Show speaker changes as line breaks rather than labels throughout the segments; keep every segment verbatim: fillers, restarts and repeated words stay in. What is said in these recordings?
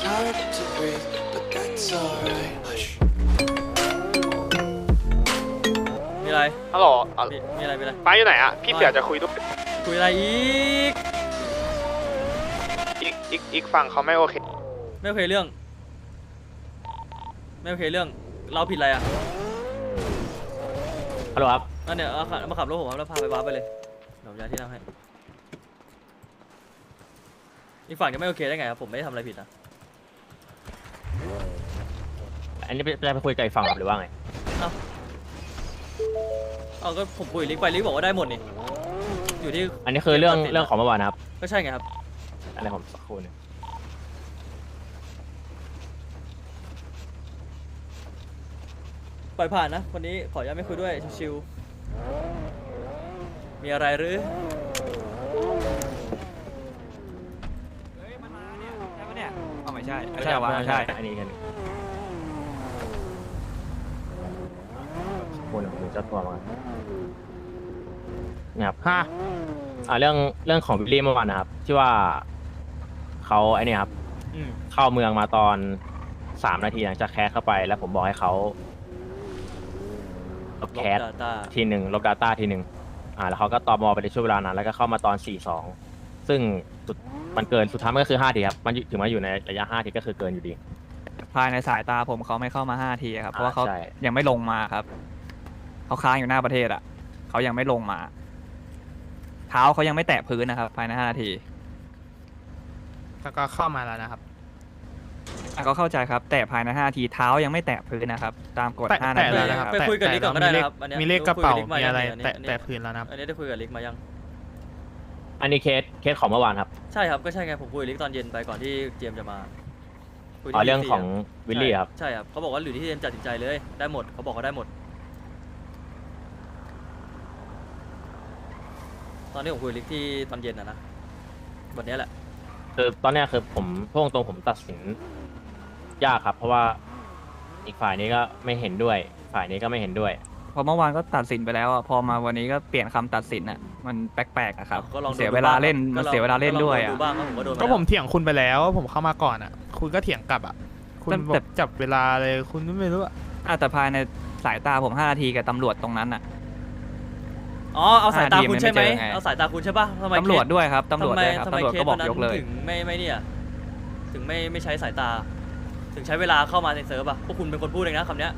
hard to breathe, but that's alright. Hush.
มีอะไร
ฮัลโหล
มีมีอะไรมีอะไร
ป้าอยู่ไหนอะพี่เสือจะคุยด้วย
คุยอะไรอีก
อีกอีกอีกฝั่งเขาไม่โอเค
ไม่โอเคเรื่องไม่โอเคเรื่องเราผิดอะไรอ่ะ
ฮัลโหลครับ
นั่นเนี่ยเอาขับมาขับรถผมครับแล้วพาไปวาร์ปไปเลยเดี๋ยวผมย้ายที่นั่งให้อีกฝั่งจะไม่โอเคได้ไงครับผมไม่ได้ทำอะไรผิดนะ
อันนี้จะไปคุยกับอีกฝั่งครับหรือว่าไง
เอาเอาก็ผมคุยลิกไปลิกบอกว่าได้หมดนี่อยู่ที่
อันนี้คือเรื่อง
ตัดสิน
เรื่องของเมื่อวานนะครับ
ก็ใช่ไงครับ
อะไรผมสักครู่หนึง
ปล่อยผ่านนะคนนี้ขออนุญาตไม่คุยด้วยชิวๆมีอะไรหรือ
เฮ้ยมันมาเนี่ยใช่ปะเนี่ยอ๋อไม่ใช่
ไม่
ไม่
ใช่
ใช่วะ
ไม่
ไม่
ใช่
ใช่
อันนี้กันสักครู่หนึงผมดูเจ้าตัวมาเนี่ยครับห้าอ่าเรื่องเรื่องของวิลลี่เมื่อวานนะครับ ที่ว่าเขาไอ้นี่ครับ
อืม
เข้าเมืองมาตอนสามนาทีหลังจากแคสเข้าไป แล้วผมบอกให้เขาลบแคส
ลบ Data
ทีหนึ่งลบ Data ทีหนึ่งอ่าแล้วเขาก็ตอมอไปในช่วงเวลานั้นแล้วก็เข้ามาตอนสี่สองซึ่งสุดมันเกินสุดท้ายมันก็คือห้าทีครับมันอยู่ถึงมาอยู่ในระยะห้าทีก็คือเกินอยู่ดี
ภายในสายตาผมเขาไม่เข้ามาห้าทีครับเพราะว่าเขา
ใช่
ยังไม่ลงมาครับเขาค้างอยู่หน้าประเทศอ่ะเขายังไม่ลงมา เท้าเขายังไม่แตะพื้นนะครับ ภายในห้านาที
แล้วก็เข้ามาแล้วนะครับ
อ่ะก็เข้าใจครับ แต่ภายในห้านาทีเท้ายังไม่แตะพื้นนะครับ ตามกฎ
แตะ
ห้า
แตะ
นาที
แล้วนะครับ
ไปคุยกับลิกก่อนก็ได้นะครับอันเนี้ย
มีเลขกระเป๋า
คุยกับลิกมา
มี
ยัง
อะไร
อันนี้
แตะ
อันนี้
แตะพื้นแล้วนะครับ
อันนี้ได้คุยกับลิกมายัง
อันนี้เคสเคสของเมื่อวานครับ
ใช่ครับก็ใช่ไงผมคุยกับลิกตอนเย็นไปก่อนที่เจมส์จะมาคุย
อ๋อ
ที่
เรื่องของ
สี่ะ
วิลลี่ครับ
ใช่ครับเขาบอกว่าหรือที่เจมส์ตัดสินใจเลยได้หมดเขาบอกเขาได้หมด ตอนนี้ผมคุยกับลิกที่ตอนเย็นนะนะวันนี้แหละ
คือตอนเนี้ยคือผมพูดตรงๆผมตัดสินยากครับ เพราะว่าอีกฝ่ายนี้ก็ไม่เห็นด้วย ฝ่ายนี้ก็ไม่เห็นด้วย
พอเมื่อวานก็ตัดสินไปแล้วอะพอมาวันนี้ก็เปลี่ยนคำตัดสินอ่ะมันแปลกๆอะครับ
ก็ลองดู
เสียเวลาเล่น
ก็
มัน
อง
เสียเวลาเล่นด้วย
ก็
อ่ะ
งดูบ้างครับผมก็โดน
ก็ผมเถียงคุณไปแล้วว่าผมเข้ามาก่อนอ่ะ คุณก็เถียงกลับอ่ะ คุณ
แต่
บอ
แต่
กจับเวลาเลยคุณไม่รู้อ่ะ
อ่ะแต่ภายในสายตาผมห้านาทีกับตำรวจตรงนั้นอ่ะ
อ๋อเอาสายตาคุณใช่ไหม
ห้าทีมันไม่เจอไง
เอาสายตาคุณใช่ป่ะทำไม
ตำรวจ
เคส
ด้วยครับตำรวจด้วยครับ
ทำไม
ตำรวจ
เค
ก็
ส
บอ
วั
ก
นนั้น
ยกเลย
ถึงไม่ไม่เนี่ยถึงไม่ไม่ใช้สายตา ถึงใช้เวลาเข้ามาในเซิร์ฟอ่ะพวกคุณเป็นคนพูดเองนะคำเนี้ย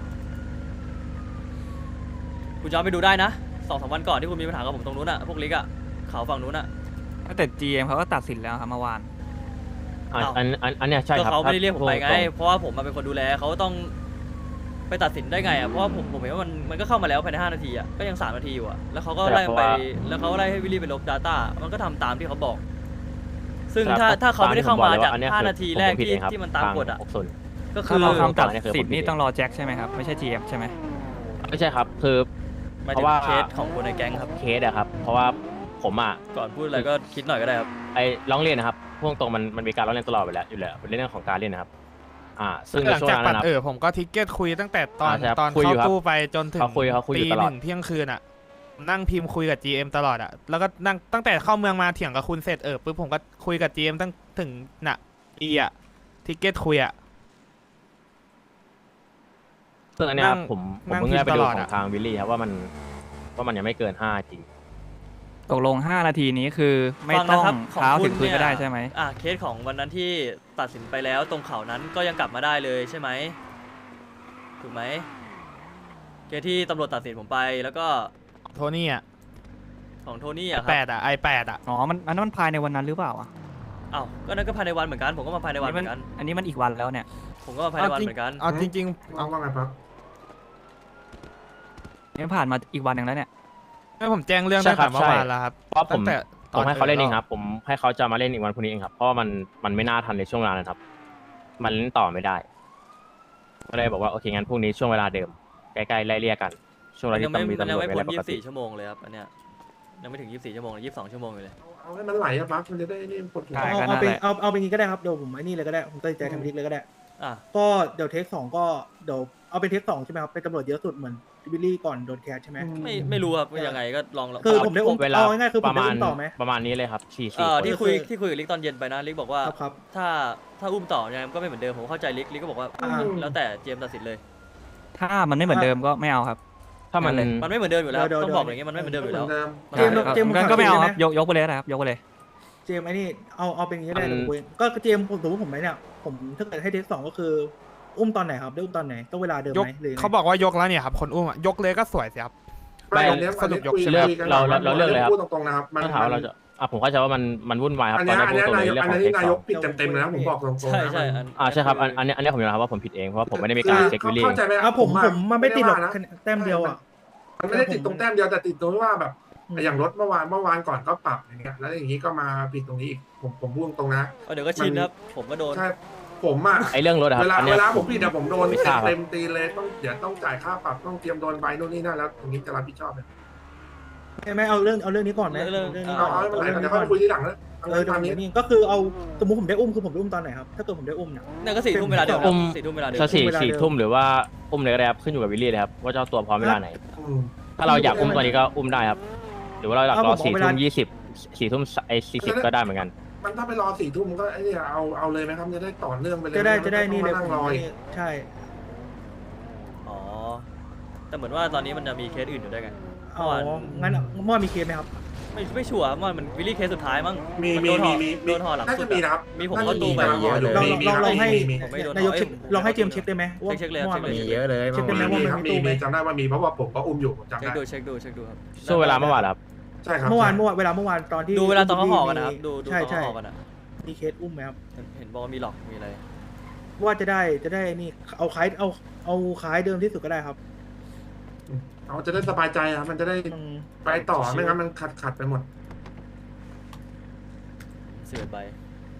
คุณย้อนไปดูได้นะสองสามวันก่อนที่คุณมีปัญหากับผมตรงนู้นอ่ะพวกลิกอ่ะเขาฝั่งนู้นอ่ะ
แต่ จี เอ็ม เขาก็ตัดสินแล้วครับเมื่อวาน
อัน
อ้าว
อันอันอันเนี้ยใช่
ก็
ครับ
เขาไม่ได้เรียกผมไปไง
พูดตร
เพราะว่าผมมาเป็นคนดูแลเขาต้องไปตัดสินได้ไงอ่ะเพราะว่าผมผมเห็นว่ามันมันก็เข้ามาแล้วภายในห้านาทีอ่ะก็ยังสามนาทีอยู่อ่ะแล้วเขาก็ไล่ไปแล้วเขาก็ไล่ให้วิลลี่ไปลบ Data มันก็ทำตามที่เขาบอก ซึ่ง
ครับ
ถ้าถ้าเขาไม่ได้เข้ามาจาก
อันเนี้ย
ห้า
คือ
นาทีแรก
ผมผิด
ที่
เองครับ
ที่มันตามกฎอ่ะ
ทงหกศูนย์
ก็คื
ถ้า
อ
เราคำตัด
อันนี้คือ
สิน
ผมผิด
นี่ต้องรอแจ็คใช่ไหมครับ ไม่ใช่ จี เอ็ม ใช่ไหม
ไม่ใช่ครับ คือ
หมาย
เพ
ถึ
ราะ
ง
ว่า
เคสของคนในแก๊งครับ
เคสอะครับ เพราะว่าผมอะ
ก่อนพูดอะไรก็คิดหน่อยก็ได้ครับ
ไอ้ร้องเรียนนะครับพูดตรงๆมันมันมีการร้องเรียนตลอดไปแล้วอยู่แล้วเป็นเรื่องของการเล่นนะครับ อ่า ซึ่ง
ห
ใน
ลัง
ช่วง
จาก
นั้น
ปัด
นะครับ
เออผมก็ทิกเก็ตคุยตั้งแต่ตอน
อ่าใช่ครับ
ตอน
คุยอยู่ครับ
เข้าตู้ไปจนถึง
เขาคุยเขาคุยอยู่
ตี
ตล
ห
อด
นึ่งเที่ยงคืนอ่ะ นั่งพิมพ์คุยกับ จี เอ็ม ตลอดอ่ะ แล้วก็นั่งตั้งแต่เข้าเมืองมาเถียงกับคุณเสร็จเออปุ๊บผมก็คุยกับ จี เอ็ม ตั้งถึงน่ะอีอ่ะทิกเก็ตคุยอ่ะ
ซึ่งอันเนี้ยครับ
นั่ง
ผมผม
นั่ง
เพิ่งได้ไป
พิมพ์
ดู
ตลอด
ขอ
อะ
งทางวิลลี่ครับว่ามันว่ามันยังไม่เกินห้าจริง
ตกลงห้านาทีนี้คือไม่
ฟัง
ต้อ
นะ
ง
ครับของ
เท้า
คุ
ถึ
ณ
งพื้น
เนี่ย
ก็ได้ใช่ไหม
อ่ะเคสของวันนั้นที่ตัดสินไปแล้วตรงเขานั้นก็ยังกลับมาได้เลยใช่ไหมถูกไหมเคสที่ตำรวจตัดสินผมไปแล้วก็
โทนี่อ่ะ
ของโทนี่อะค
แป
รับ
ดอ่ะไอแปดอ่ะ
อ๋อ มันอันนั้นมันภายในวันนั้นหรือเปล่าอ่ะ
อ้าวก็นั่นก็ภายในวันเหมือนกันผมก็มาภายในวันเหมือนกัน
อันนี้มันอีกวันแล้วเนี่ย
ผมก็มาภายในวันเหมือนกัน
เอาจริงๆ
เอาว่าไงปั๊บ
นี่ผ่านมาอีกวันหนึ่งแล้วเนี่ย
ให้ผมแจ้งเรื่อง
ใช่
ตั้ง
ครั
แต่
บ
เมื่อวานแล้วครับ
เพราะผ
ตั้
ม
งแต่
ผมให้เขาเล่นเองครับ
บ
ผมให้เขาจะมาเล่นอีกวันพรุ่งนี้เองครับ เพราะว่ามันมันไม่น่าทันในช่วงเวลานั้นครับ มันเล่นต่อไม่ได้ก็เลยบอกว่าโอเคงั้นพรุ่งนี้ช่วงเวลาเดิมใกล้ๆไล่เลี่ยกัน ช่วงเว
มั
ลาน ที่
ยังไม่
ต้องมี
มัน
ตำร
ยัง
วจ
ไม่
มี
พ้
อะไร
น
ป
ยี่
ก
สิบ
ติ
สี่ชั่วโมงเลยครับอันเนี้ยยังไม่ถึงยี่สิบสี่ชั่วโมงเลยยี่สิบสองชั่วโมงอยู่เลย
เอาให้มันไหลอะปั๊บมันจะได้นี่ปวดหัว
ใช่
เอา
ก็นั่
เอา
น
เป็น
แหละ
เอาเอาเป็นงี้ก็ได้ครับเดี๋ยวผมไอ้นี่เลยก็ได้ผมตัดสินใจทำทิกเลยก็ได้
อ่ะ
ก็เดี๋ยวเทคสองก็เดี๋ยวเอาเป็นเทคสองใช่ไหมครับเป็นตำรวจเยอะสุดเหมือนวิลลี่ก่อนโดนแคสใช่ไหม
ไม่ไม่รู้ครับว่ายังไงก็ลองลอง
คือผมได้อุ้ม
เวลา
เอาง่ายๆคือผม
ประ
ได้
มาณ
อุ้มต่อไหม
ประมาณนี้เลยครับสี่
เอ
สี่
อ
คน
ที่คุย
คือ
ที่คุยกับลิกตอนเย็นไปนะลิกบอกว่า
ครับครับ
ถ้าถ้าอุ้มต่อยังไงมันก็ไม่เหมือนเดิมผมเข้าใจลิกลิกก็บอกว่า
อ่า
แล้วแต่เจมส์ตัดสินเลย
ถ้ามันไม่เหมือนเดิมก็ไม่เอาครับ
ถ้ามัน
มันไม่เหมือนเดิมอยู่แล้ว
เดี๋ยว
ต้อง
เดี๋ยว
บอกอย่างเงี้ยมันไม่เหมือนเดิมอยู่แล้ว
เจมส์เจมส์
งั้นก็ไม่เอาครับยกยกไปเลยนะครับยกไปเลย
เจมส์ไอ้นี่เอาเอาเป็นอย่างนี้ได้
มัน
ผมคุยก็เจมส์ผมสมมติผมไหมเนี่ยผมถ้าเกิดให้เทสสองก็คืออุ้มตอนไหนครับได้อุ้มตอนไหนต้องเวลาเดิม
ยก
ไหมหรือยังไง
เขาบอกว่ายกแล้วเนี่ยครับคนอุ้มอะยกเลยก็สวยสิครับ
ไม่
ไม่
อันเนี้ย
สรุปยก
คุ
ใช่ไหม
คุกัน
เราเราเราเลือกเลยครับ
พูดตรงๆนะครับมัน
ถ้าถามว่าเราจะอ่ะผมเข้าใจว่ามันมันวุ่นวายครับ
อัน
ตอ
เนี้
น
ย
นี้
อัน
พูด
เนี้ย
ตรง
นาย
ใน
ก
เรื่อง
อั
ข
น
อง
นี้
เทคสอง
นายกปิดเต็มๆเลยนะผมบอกตรงๆ
ใช่
นะ
ใช่
มัน
อัน
อ่าใช่ครับอันอันนี้อันนี้ผมยอมรับว่าผมผิดเองเพราะว่าผมไม่ได้มีการเช็ควิลลี่
เข้าใจไหม
อ่ะผม
ว่า
ผมมันไม่ติดหรอก
ว่านะ
แต้มเดียวอ่ะ
มันไม่ได้ติดตรงแต้มเดียวแต่ติดตรงที่ว่าแบบ
อืม
อย่างรถเมื่อวานเมื่อวานก่อนก็ปรับอย่างเงี้ยแล้วอย่างนี้ก็มาผิดตรงนี้อีกผมผมพูดตรงๆนะ
เอาเดี๋ยวก็ชินครับผมก็โดน
ใช่ผมอ่ะ
ไอ้เรื่องรถอะครั
เว
บ
ลา
อัน
เว
เนี้ย
ลาผมผิดอะผมโดน
ไม่ทราบ
เต็มตีเลยต้องเดี๋ยวต้องจ่ายค่าปรับต้องเตรียมโดนใบนู่นนี่นั่นแล้วตรงนี้จะรับผิดชอบไหม
ไม่ไม่เอาเรื่องเอาเรื่องนี้ก่อนไหม
เรื่อง
นี้
เอา
ก่อน
เอาไม่เป็นไร
เรื่อง
เดี๋ยว
นี้ก่
ค่
อ
อน ยคุยทีหลังนะ
เออเดี๋ยว
ตาม
ผม
นี้
นี่ก็คือเอาสมมติผมได้อุ้มคือผมได้อุ้มตอนไหนครับถ้าเกิดผมได้อุ้มเนี่ย
เนี่ยก็สี่ทุ่มเวลาเดิม
อุ้ม
สี่ทุ่มเวลาเดิม
ถ้าสี่
เวลาเดิม
สี่ทุ่มหรือว่าอุ้มเลยก็ได้ครับขึ้นอยู่กับวิลลี่เลยครับว่าเจ้าตัวพร้อมเวลาไหน
อืม
ถ้าเราอยากอุ้มตัวนี้ก็อุ้มได้ครับ หรือว่าเราอยากรอ
เอาผม
สี่
เอาเว
ทุ่
ลา
มยี่สิบสี่ทุ่มไอ้สี่สิบก็ได้เหมือนกัน
มันถ้าไปรอสี่ทุ่มก็ไอ้นี่เอาเอาเลยไหมครับจะได้ต่อเนื่องไปเลย
จะได้จะได้นี่เลย
ไม่
ผ
ต้อง
ม
มานั่งรออีก
ใช่
อ๋อแต่เหมือนว่าตอนนี้มันจะมีเคสอื่นอยู่ด้วยไง
อ๋องั้นเมื่อวานมีเคสไหมครับ
ไม่ไม่ชัวร์ว่ามันวิลลี่เคสสุดท้ายมั้ง
มี
น
มี
โดนห่
มี
อ
มี
โดนห่อหลัง
น่า
สุ
จะ
ด
มี
อะ
นะครับ
มีผม
น่า
ก็
จะ
ดูไป
กำลังรออยู่
ลอง
มีมี
ลอง
ครับ
ลองให้
มีมี
ผมไม่โดน
นายก
เอ้ย
เช็คลองให้เจมส์เช็คได้ไหมว่า
เช็คเลย
เมื่อวาน
เช็คเลย
มี
มีเยอะเลย
เช็คเป็นไหม
มี
ว่า
ครับ
มันมี
มี
ตู้ไหม
มีจำได้ว่ามีเพราะว่าผมก็อุ้มอยู่ผมจำ
เช็ค
ได้
ดูเช็คดูเช็คดูครับ
ช่วงเวลาเมื่อวานเหรอครับ
ใช่ครับ
เมื่อวานเมื่อวานเวลาเมื่อวานตอนที่
ดูเวลาตอนเขาห่อกันนะครับดูดู
ใช่
ตอน
ใช่
เขาห่อกันอะ
มีเคสอุ้มไหมครับ
เห็นเห็นบอกว่ามีหลอกมีอะไร
ว่าจะได้จะได้นี่เอาคล้ายเอาเอาคล้ายเดิมที่สุดก็ได้ครับ
เอาจะได้สบายใจอ่ะมันจะได้
อืม
ไปต่อไม่งั้นมันขัดขัดไปหมด
เสือใบ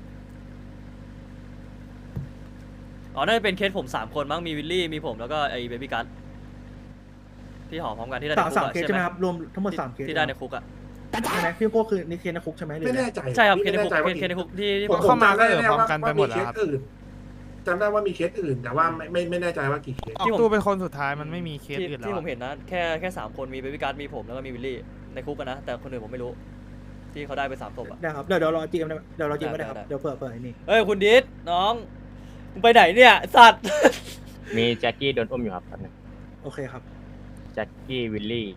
อ๋อน่าจะเป็นเคสผมสามคนมั้งมีวิลลี่มีผมแล้วก็ไอ้เบบี้กัสที่ห่อพร้อมกันที่ได้ใน
สาม
คุก
สาม
อะ
เคส
ใช่
ใช่
ไห
ไห
ม
มครับรวมทั้งหมดสามเคส
ที่ได้ในคุกอะ
ใช่ไหมพี่โก้คือนี่เคสในคุกใช่ไหมหรือ
ไม่
ไง
แน่ใจ
ใช่ครับ
พี่
เคสใน
ไม่
คุก
แน่ใจว่า
เคสในคุกที่ที่
ผม
ผม
เข้ามาก็
จำได้
เออ
แน่
พร้อม
ว่า
กันไป
ว่า
หม
มี
ด
เค
แล้ว
ส
ครับ
อื่นจำได้ว่ามีเคสอื่น แต่ว่าไม่ไม่ไม่แน่ใจว่ากี่เคส
ออกตู้เป็นคนสุดท้ายมันไม่มีเคส
ที่
อื่นแล้
ที่
ว
ผมเห็นนะแค่แค่สามคนมีเบบี้กัสมีผมแล้วก็มีวิลลี่ในคุกกันนะแต่คนอื่นผมไม่รู้ ที่เขาได้ไปสามศพอะ
ได้ครับเดี๋ยวเดี๋ยวรอจีเอ็มเดี๋ยวรอจีเอ็ม
ได้
ก็ได้ครับ
ได้
เดี๋ยวเผื่อเผื่อไอ้นี่
เอ้ยคุณดิษน้องมึงไปไหนเนี่ยสัตว์
มีแจ็คกี้โดนอุ้มอยู่ครับแป๊บนึง
โอเคครับ
แจ็คกี้วิลลี่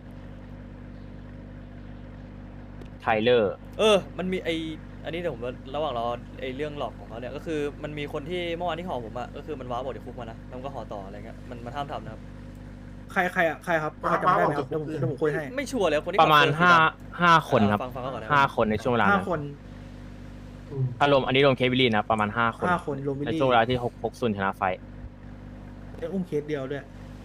ไทเลอร์
เออ มันมีไออันนี้เดี๋ยวผมระหว่างรอไอเรื่องหลอกของเขาเนี่ยก็คือมันมีคนที่เมื่อวานที่ห่อผมอะก็คือมันว้าบอกเดี๋ยวคุกมานะแล้วมันก็ห่อต่ออะไรเงี้ยมันมันห้ามทำนะครับ
ใครใครอ่ะใครครับพอจำได้ไหมครับเดี๋ยวผมเดี๋ยวผมคุยให้
ไม่ชัวร์เลยคนที่
ประมาณ
ขับ
ห้า
อ
ห้าคนครับ
ฟังฟังเขาก่อนนะ
ห้าคนในช่วงเวลา
ห้า
นั้น
คน
อืม
ถ้ารวมอันนี้รวมเควิลลี่นะประมาณห้าคน
ห้าคนรวมวิล
ใน
ลี่
ช่วงเวลาที่หกหกซุนชนะไฟ
ได้อุ้มเคสเดียวด้วย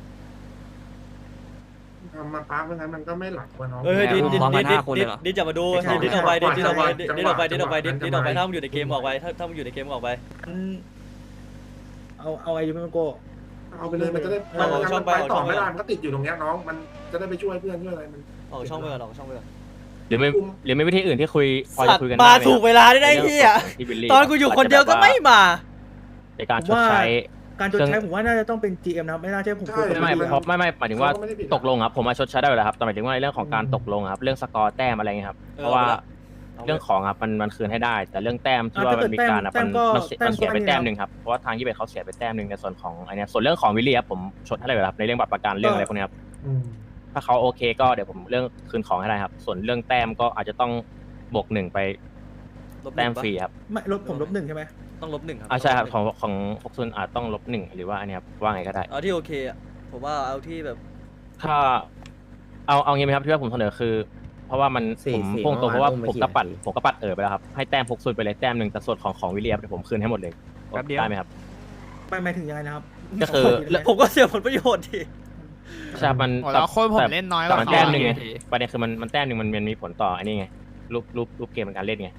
ทำมาป้าไม่งั้นมันก็ไม่หลักกว่าน้อง
เฮ้ยดิดดิด
พร้อมกั
ดิ
น
ดดิ
ห้า
ด
คนเล
ดิ
ย
ด
เหรอ
ดิดจะมาดู
ใช่
ดิดดิดออกไปดิดดิดออกไป
จั
ดิ
งหวะ
ดออกไปดิดออกไปดิด
จังหวะ
ดิดออกไป
จังหวะ
ถ้ามันอยู่ในเกมออกไปถ้าถ้ามันอยู่ในเกมออกไป
อืมเอาเอาไอ้ยูเมโก้
เอาไปเลยมันจะได้
เอาเอาช่องไป
ไป
เอาช่
ต่
อ
อง
ไป
ไม่ได้มันก็ติดอยู่ตรงเนี้ยน้องมันจะได้ไปช่วยเพื่อนช่วยอะไรมัน
ออกช่องไปก่อนออกช่องไปก่อน
หรือไม่หรือไม่วิธีอื่นที่คุยพอ
สั
จะ
ตว์
คุยกัน
มา
ได้ไห
ถูกเวลาได้ได้ที่อ่ะ
ที่วิลลี่
ตอนกูอยู่คนเดียวก็ไม่มา
ในการชดใช้
การชดใช้ผมว่าน่าจะต้องเป็น จี เอ็ม นะครับไม่น่าใช่ผมคุยกับ
ไม่
พี่
เพราะไม่ไม่หมายถึงว่า
เขาก็ไม่ได้ผิด
ตกลงครับผมมาชดใช้ได้อยู่แล้วครับแต่หมายถึงว่าในเรื่องของการตกลงครับเรื่องสกอร์แต้มอะไรเงี้ยครับเพราะว่าเรื่องของครับมันมันคืนให้ได้ แต่เรื่องแต้มที่ว่ามันมีการอะมันมันเสียมันเสียไปแต้มหนึ่งครับเพราะว่าทางยี่สิบเอ็ดเขาเสียไปแต้มหนึ่งในส่วนของไอเนี้ยส่วนเรื่องของวิลลี่ครับผมชดให้ได้อยู่แล้วครับในเรื่องบัตรประกันเรื่องอะไรพวกนี้ครับ
อืม
ถ้าเขาโอเคก็เดี๋ยวผมเรื่องคืนของให้ได้ครับ ส่วนเรื่องแต้มก็อาจจะต้องบวกหนึ่งไป
ลบห
แต้
นึ่
ม
งปะ
ฟรีครับ
ไม่ลบผมลบหนึ่งใช่ไหม
ต้องลบหนึ่งครับ
อ่าใช่ครับของของฟกซุนอาจต้องลบหนึ่งหรือว่าอันเนี้ยครับว่าไงก็ได้
เอาที่โอเคอ่ะผมว่าเอาที่แบบ
ถ้าเอาเอางี้ไหมครับที่ว่าผมเสนอคือ เพราะว่ามัน
สี่
ผม
สี่
พุ่งตรงเพราะว่า
เมื่อวาน
ผม
อุ้ม
ก็
ไป
ปัด
กี่
ผมก็ปัดเออไปแล้วครับให้แต้มพกซุนไปเลยแต้มหนึ่งแต่ส่วนของของวิลเลียมเดี๋ยวผมคืนให้หมดเลย
แป๊บเดียว
ได้ไหมครับ
ไม่หมายถึงยังไงนะครับ
ก็คือ
แล้วผมก็เสียผลประโยชน์ที
ใช่ครับมัน
โอ้แล้วคนผม
แต่
เล่นน้อยก
แต่
ว่า
มัน
เขา
แต้มหนึ่งไง
โอเค
ประเด็นคือมันมันแต้มหนึ่งมันมันมีผลต่ออันนี้ไงรูปรูปรูปเกมในการเล่นไง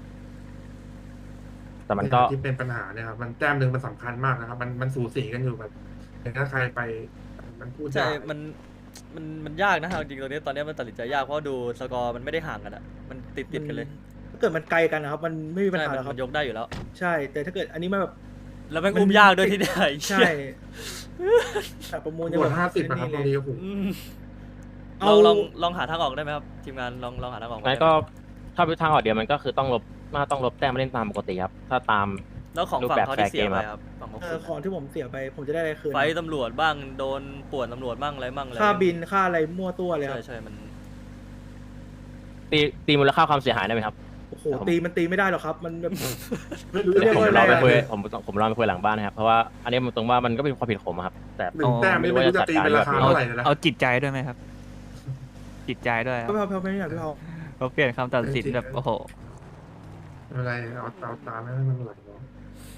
แต่มันก็
ที่เป็นปัญหาเนี่ยครับมันแต้มหนึ่งมันสำคัญมากนะครับมันมันสูสีกันอยู่แบบถ้าใครไปมันพูด
ใช่
ยาก
มันมันมันยากนะเอาจริงๆตรงนี้ตอนนี้มันตัดสินใจยากเพราะดูสกอร์มันไม่ได้ห่างกันอ่ะมันติดติดกันเลย
ถ้าเกิดมันไกลกันนะครับ มันไม่มีปัญ
ใช่
หา
มัน
หรอกค
มั
รับ
นยกได้อยู่แล้ว
ใช่ แต่ถ้าเกิดอันนี้มันแบบ
แล้วแม่งอุ้มยากด้วยที่เนี่ย
ใช่แต่ประมูล
บวกห้าสิบนะครับตอนนี้โอ้โห
อืมล
เอา
องลองลองหาทางออกได้ไหมครับทีมงานลองลองหาทางออก
งั้นก็ถ้าเป็นทางออกเดียวมันก็คือต้องลบมาต้องลบแต้มมาเล่นตามปกติครับถ้าตาม
แล้วของ
รูป
ฝั่ง
แบบ
เขาที่เสีย
แฟร์เกม
ไป
ครับ
ครับฝั่งของ
เอ
คุ
อ
ณ
ของที่ผมเสียไปผมจะได้อะไรคืน
ไฟตำรวจบ้างโดนป่วนตำรวจบ้างอะไรบ้างอะไร
ค่าบินค่าอะไรมั่วตัวเลยค
ใช่
รับ
ใช่มัน
ตีตีมูลค่าความเสียหายได้ไหมครับ
โอ้โหตีมันตีไม่ได้หรอกครับ มันแบบ
ไม่รู้
เรี
จะ
ยก
ผม
ว่า
รอไป
อะไรอะ
คุยผมผมรอไปคุยหลังบ้านนะครับเพราะว่าอันนี้มันตรงว่ามันก็เป็นความผิดผมอะครับ แต่
หนึ่งแต้มนี่ไม่รู้จะตีเป็นราคา
เอา
เท่าไหร่เลยนะ
เอาจิตใจด้วยไหมครับ จิตใจด้วยครับ
พี่เผาพี่เผาไม่อยากพี่เผา
เขาเปลี่ยนคำตัดสินแบบโอ้โห
ไม่เป็นไรเอาเอาตามให้มันไหลเนาะ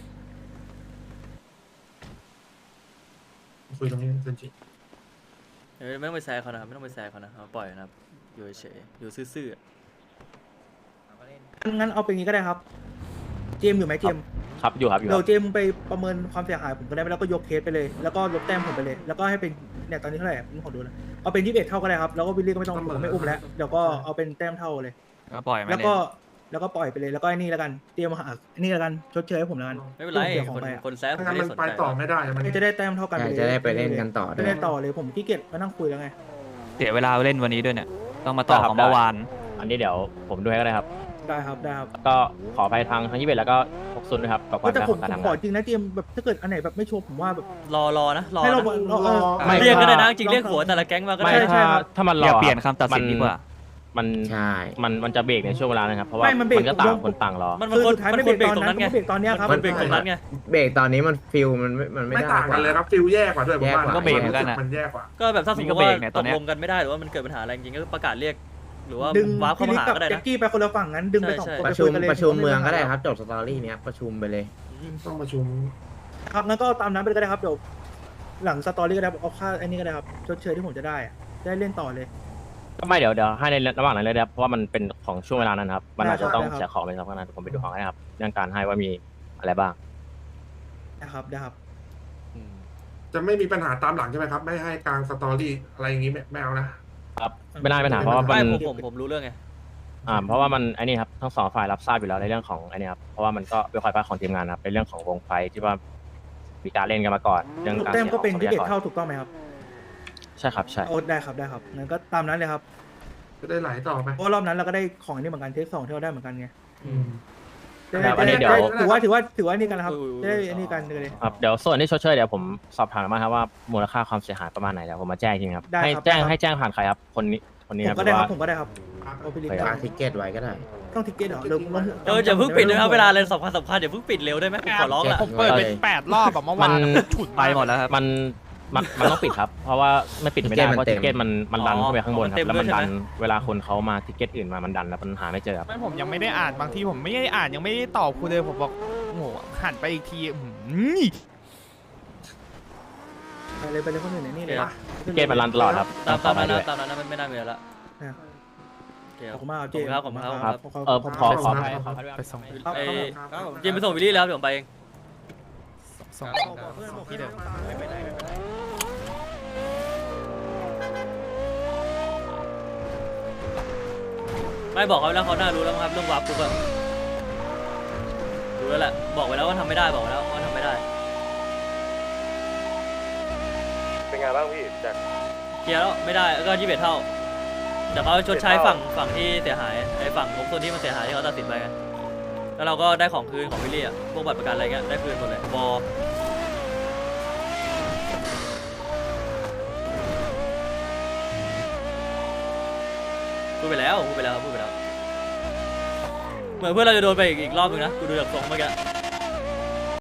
คุยตรงนี้เซนจิ
เออไม่ต้องไปแซะเขานะครับไม่ต้องไปแซะเขานะเอาปล่อยนะครับอยู่เฉยๆอยู่ซื่อๆอะ
งั้นเอาเป็นอย่างนี้ก็ได้ครับ เจมส์อยู่ไหมเจมส์
ครับอยู่ครับอยู่ค
เดี๋ย
รั
ว
บ
เจมส์ไปประเมินความเสียหายผมก็ได้ไหมแล้วก็ยกเคสไปเลย แล้วก็ลบแต้มผมไปเลย แล้วก็ให้เป็นเนี่ยตอนนี้เท่าไหร่ผมขอดูนะเอาเป็นยี่สิบเอ็ดเท่าก็ได้ครับแล้วก็วิลลี่ก็ไม่ต้องผมไม่อุ้มแล้วเดี๋ยวก็เอาเป็นแต้มเท่าเลย
ก็ปล่อยมา
แล้ว
เล่น
ก็แล้วก็ปล่อยไปเลยแล้วก็ไอ้นี่แล้วกันเตรียมหาไอ้นี่แล้วกันชดเชยให้ผมแล้วกัน
ไม่เป็นไร
เสียขอ
ค
ง
น
ไปอะ
คนแซะผม
ถ้า
ไม่
งั้น
ได้
มัน
สน
ไป
ใจ
ต่อไม่ได้มัน
จะได้แต้มเท่ากันไปเลย
จะได้ไปเล่นกันต่อด้
จะ
วย
ได้ต่อเลยผมขี้เกียจมานั่งคุยแล้วไง
เสียเวลาเล่นวันนี้ด้วยเนี่ย ต้องมาต่อ
ได้ครับ
ของเมื่อวาน
อันนี้เดี๋ยวผมดูให้ก็ได้ครับ
ได้ครับได้ครับ
ก็ขออภัยทางทางยี่สิบเอ็ดแล้วก็หกซุนด้วยครับกับความ
แต่
ยาก
ผ
ข
ม
องการ
ผม
ทำ
ข
งา
อน จริงนะเตรียมแบบถ้าเกิดอันไหนแบบไม่ชัวร์ผมว่าแบบ
รอรอนะรอ
ให้เรา
นะ
เราเออ
ไม่
เรียกก็ได้นะ
ลอง
จริงเรียกหัวแต่ละแก๊งมาก็
ไม่
ได้
ใช่
ถ้า
ครับ
ถ้ามันรอ
อย่า
ครับ
เปลี่ยนคำตัดสิน
มั
ดีกว่า
มัน
ใช่
มันมันจะเบรกในช่วงเวลานะครับเพราะว่า
ไม่มันเบรก
มันก็ต่าง
ผม
คนต่างรอ
มันมัน
คือ
คน
สุดท้าย
มัน
ไม่
คนเบ
เบ
ร
ร
ก
ก
ต
ต
ร
อน
ง
นั้
นั้น นไง
เบรกตอนเนี้ยครับ
มันเบรกตรงนั้นไง
เบรกตอนนี้มันฟิลมันไม่มันไม่
ไม่
ได้
ต่างกันเลยครับฟิลแย่กว่าด้วยผมว่า
แย่กว่า
ก็เบรกเหมือนกันอะ
มันแย่กว่า
ก็แบบถ้าสมม
ก็
ติ
เบร
ว่าก
เนี่ยต
ต
อน
ก
เนี้ย
ลงกันไม่ได้หรือว่ามันเกิดปัญหาอะไรจริงๆก็ประกาศเรียก หรือว่า
ดึง
วาร์ปเข้า
พี่
มา
ลิก
หา
กับ
ก็ได้
แจ็
นะ
คกี้ไปคนละฝั่งงั้นดึงไปสอง
ใช่
คน
ประ
ไป
ชุ
คุ
ม
ยกันเลย
ประชุมเมืองก็ได้ครับจบสตอรี่เนี้ยประชุมไปเลย
ต้องประชุม
ครับงั้นก็ตามนั้นไปเลยก็ได้ครับเดี๋ยวหลังสตอรี่ก็ได้เอาค่าไอ้นี่ก็ได้ครับชดเชยที่ผมจะได้อะจะได้เล่นต่อเลย
ก็ไม่เดี๋ยวเดี๋ยวให้ในระหว่างนั้นเลยนะครับเพราะว่ามันเป็นของช่วงเวลานั้นครับมันอาจจะต้อง
ได้ครับ
เสียของไปสักพักนั้นผมไปดูของให้นะครับเรื่องการให้ว่ามีอะไรบ้าง
นะครับได้ครับ
อืม
จะไม่มีปัญหาตามหลังใช่ไหมครับ ไม่ให้กลางสตอรี่อะไรอย่างนี้ไม่ไม่เอานะ
ครับไม่ได้ปัญหาเพราะว่า
ไม่
มัน
ผมผมผมรู้เรื่องไง
อ่าเพราะว่ามันไอ้นี่ครับทั้งสองฝ่ายรับทราบอยู่แล้วในเรื่องของไอ้นี่ครับเพราะว่ามันก็เป็นความผิดของทีมงานครับในเรื่องของวงไฟที่ว่ามีการเล่นกันมาก่อนเรื่อง
ลูก
การ
แต้ม
เสียข
ก็
อง
เป็น
ทรัพ
ที่เบ็ด
ยากร
เท่าถูกต้องไหมครับ
ใช่ครับใช่
โอ้ได้ครับได้ครับงั้นก็ตามนั้นเลยครับ
จะได้ไหลต่อไป
เพราะรอบนั้นเราก็ได้ของอันนี้เหมือนกันเทคสองที่เราได้เหมือนกันไง
อืม
จะได้
ครับอันนี้
จะ
เดี๋ยว
ได้ถือว่าถือว่าถือว่านี่กันนะครับ
เออ
จะได้อันนี้กันเลย
ครับเดี๋ยวส่วนที่ชดเชยเดี๋ยวผมสอบถามมาครับว่ามูลค่าความเสียหายประมาณไหนเดี๋ยวผมมาแจ้งจริงครับ
ได้
ให้
ครับ
แจ้ง
ได้ครับ
ให้แจ้งผ่านใครครับคนนี้คนนี้
ผม
นะ
ก็
ห
ได้
รือ
ครั
ว่า
บผมก็ได้ครับเอาไปรีบ
ฝากทิเก็ตไว้ก็ได้
ต้องทิกเก็ตเหรอลงลง
เอออย่าเพิ่งปิดนะครับเวลาอะไรสำคัญสำคัญอย่าเพิ่งปิดเร็วได้ไหมผมขอร้องละ
ผมเปิดไปแปดรอบแบบเมื่อวาน
มัน
ฉุด
ไปหมดแล้วครับ
มันมันมันต้องปิดครับ เพราะว่าไม่ปิดไม่ได้
ทิ
เพราะ
เก็
ทิ
ต
เก็ต
มั
มัน
นเต็ม
มันดันขึ้นไปข้างบนครับ
อ๋อ
แล้วมัน
เต็มด้วย
ดัน
ใช่ไหม
เวลาคนเขามาทิเก็ตอื่นมามันดันแล้วมันหาไม่เจอครับ
ไม่ผมยังไม่ได้อ่านบางทีผมไม่ได้อ่านยังไม่ได้ตอบคุณเลยผมบอกโอ้โหหันไปอีกทีอื้อหือ
ไปเลยไปเลยคนอื่นในนี่เลย
ทิเก็ตมันรันตลอดครับ
ตามตามนั้น
ด้ว
นะ
ย
ตามนั้นนะไม่ไม่น่ามีอะไรละ
นะ
โอเค
ข
ค
อบ
รับ
คุณมากครับเจ
ขอบคุณครับขอบคุณครับ
ขอบ
เออผมขอขอ
ไป
ไป
ส่ง
ไปส่ง
ครับ
ไอ้
ครับผม
จิมไปส่งวิลลี่แล้วเดี๋ยวผมไปเอง
ส่ง
บอกเพื่อนบอก
ที่
เพื่
เดิ
อน
ม
ไม่ไปไหนไม่ไปไหน
ไม่บอกเขาแล้วเขาน่ารู้แล้วมั้งครับเรื่องวาร์ปปุ๊บอะรู้แล้วแหละบอกไว้แล้วว่าทำไม่ได้บอกไว้แล้วว่าทำไม่ได้
เป็นไงบ้างพี่จาก
เคลียร์แล้วไม่ได้แล้วก็ยี่สิบเอ็ดเท่าเดี๋ยวเขาชดใช้ฝั่งฝั่งที่เสียหายไอ้ฝั่งของส่วนที่มันเสียหายที่เขาตัดสินไปไงแล้วเราก็ได้ของคืนของวิลลี่อะพวกบัตรประกันอะไรเงี้ยได้คืนหมดเลยบอพูดไปแล้วพูดไปแล้วพูดไปแล้วเหมือนเพื่อนเราจะโดนไปอีกอีกรอบนึงนะกูดูจากทรงเมื่อกี้